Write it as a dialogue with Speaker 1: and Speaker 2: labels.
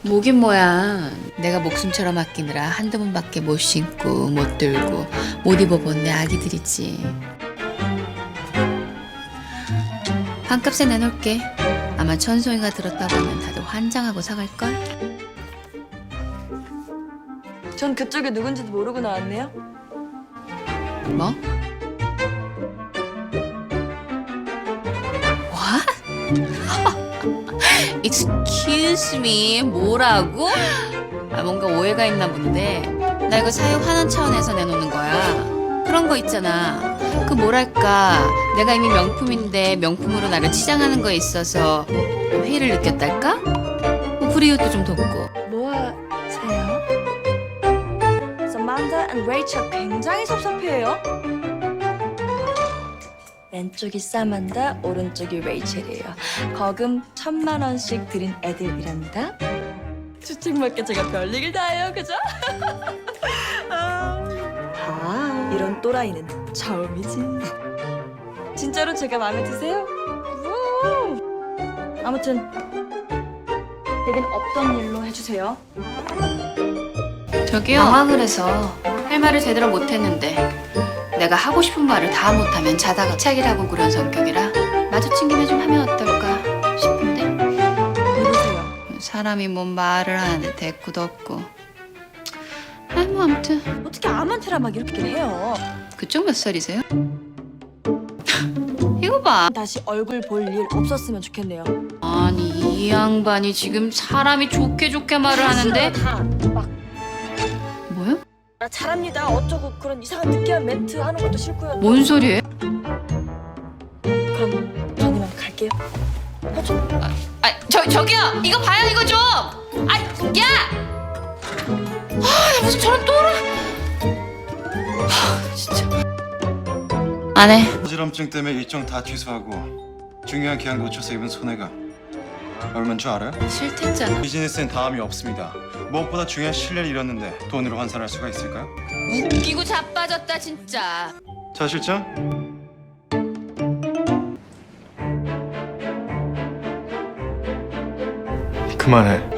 Speaker 1: 뭐긴 뭐야. 내가 목숨처럼 아끼느라 한두 번밖에 못 신고 못 들고 못 입어본 내 아기들이지. 반값에 내놓을게. 아마 천송이가 들었다 보면 다들 환장하고 사갈걸?
Speaker 2: 전 그쪽이 누군지도 모르고 나왔네요.
Speaker 1: 뭐? What? Excuse me, 뭐라고? 아, 뭔가 오해가 있나 본데. 나 이거 사육 환원 차원에서 내놓는 거야. 그런 거 있잖아. 그 뭐랄까, 내가 이미 명품인데 명품으로 나를 치장하는 거에 있어서 회의를 느꼈달까? 뭐 불이웃도 좀 돕고.
Speaker 2: 뭐 하세요? 서만다 and 레이첼 굉장히 섭섭해요. 왼쪽이 사만다, 오른쪽이 레이첼이에요. 거금 1,000만 원씩 드린 애들이랍니다. 추측맞게 제가 별일을 다 해요, 그죠? 아, 이런 또라이는 처음이지. 진짜로 제가 마음에 드세요? 우! 아무튼 내겐 없던 일로 해주세요.
Speaker 1: 저기요. 당황을 해서 할 말을 제대로 못했는데 내가 하고 싶은 말을 다 못하면 자다가 착이라고 그런 성격이라 마주친 김에 좀 하면 어떨까 싶은데
Speaker 2: 누구세요?
Speaker 1: 사람이 뭔 말을 하는데 대꾸도 없고. 아이 뭐 아무튼
Speaker 2: 어떻게 암한테라 막 이렇게 해요?
Speaker 1: 그쪽 몇 살이세요? 이거 봐.
Speaker 2: 다시 얼굴 볼 일 없었으면 좋겠네요.
Speaker 1: 아니 이 양반이 지금 사람이 좋게 좋게 말을 하는데
Speaker 2: 다막
Speaker 1: 뭐야?
Speaker 2: 나 잘합니다 어쩌고 그런 이상한 느끼한 멘트 하는 것도 싫고요.
Speaker 1: 뭔 소리예요?
Speaker 2: 그럼 전 이만 갈게요.
Speaker 1: 저기요 이거 봐요 이거 좀. 야! 무슨 저런 또라. 진짜 안 해.
Speaker 3: 어지럼증 때문에 일정 다 취소하고 중요한 기한 놓쳐서 입은 손해가 얼마인 줄 알아요?
Speaker 1: 싫댔잖아.
Speaker 3: 비즈니스엔 다음이 없습니다. 무엇보다 중요한 신뢰를 잃었는데 돈으로 환산할 수가 있을까요?
Speaker 1: 웃기고 자빠졌다 진짜.
Speaker 3: 자 실장
Speaker 4: 그만해.